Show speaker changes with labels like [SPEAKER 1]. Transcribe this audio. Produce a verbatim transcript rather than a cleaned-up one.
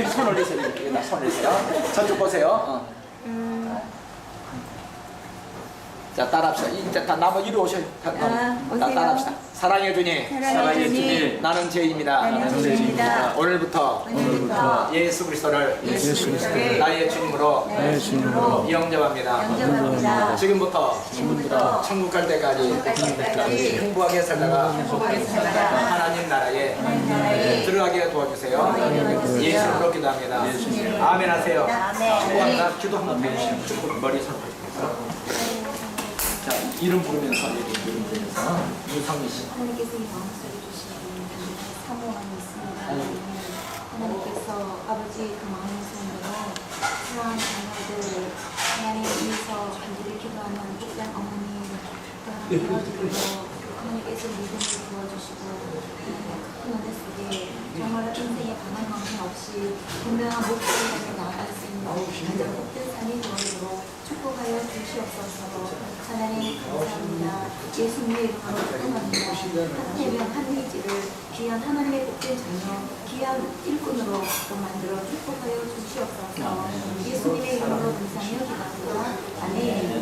[SPEAKER 1] 여기 손 올리세요. 여기다 손 올리세요. 저쪽 보세요. 어. 자, 따라합시다. 이제 다 나무 이리 오셔요. 다,
[SPEAKER 2] 아,
[SPEAKER 1] 다 따라합시다. 사랑의 주님,
[SPEAKER 2] 사랑의 주님,
[SPEAKER 1] 나는 죄인입니다.
[SPEAKER 2] 나는 죄인입니다.
[SPEAKER 1] 오늘부터,
[SPEAKER 2] 오늘부터
[SPEAKER 1] 예수 그리스도를
[SPEAKER 2] 예수 그리스도를
[SPEAKER 1] 나의 주님으로
[SPEAKER 2] 나의 주님으로
[SPEAKER 1] 영접합니다.
[SPEAKER 2] 영접합니다.
[SPEAKER 1] 지금부터,
[SPEAKER 2] 지금부터
[SPEAKER 1] 천국 갈 때까지
[SPEAKER 2] 때까지
[SPEAKER 1] 행복하게 살다가
[SPEAKER 2] 행복하게 살다가
[SPEAKER 1] 하나님 나라에
[SPEAKER 2] 하나님 나라에
[SPEAKER 1] 들어가게 도와주세요.
[SPEAKER 2] 들어가게 도와주세요.
[SPEAKER 1] 예수 이름으로 기도합니다. 아멘 하세요.
[SPEAKER 2] 아멘.
[SPEAKER 1] 축복합니다. 기도 한번 해주시면 머리 선포해주세요. 자, 이름 부르면서 이름 부르면서 유성미 씨.
[SPEAKER 3] 하나님께서 이 마음속에 주신 사모함이 있습니다. 하나님께서 아버지 그 마음의 손으로 사랑하는 자녀들 하나님 위해서 간절히 기도하는 복된 어머니 도와주시고 하나님께서 믿음을 부어주시고 큰 은혜 속에 정말 인생에 강한 망신 없이 분명한 목표를 향해 나아갈 수 있는 가장 복된 삶이 되도록 축복하여 주시옵소서. 하나님 감사합니다. 예수님의 이름으로 축복합니다. 한태명 한의지를 귀한 하나님의 복된 자녀, 귀한 일꾼으로 또 만들어 축복하여 주시옵소서. 예수님의 이름으로 감사하며 기도합니다. 아멘.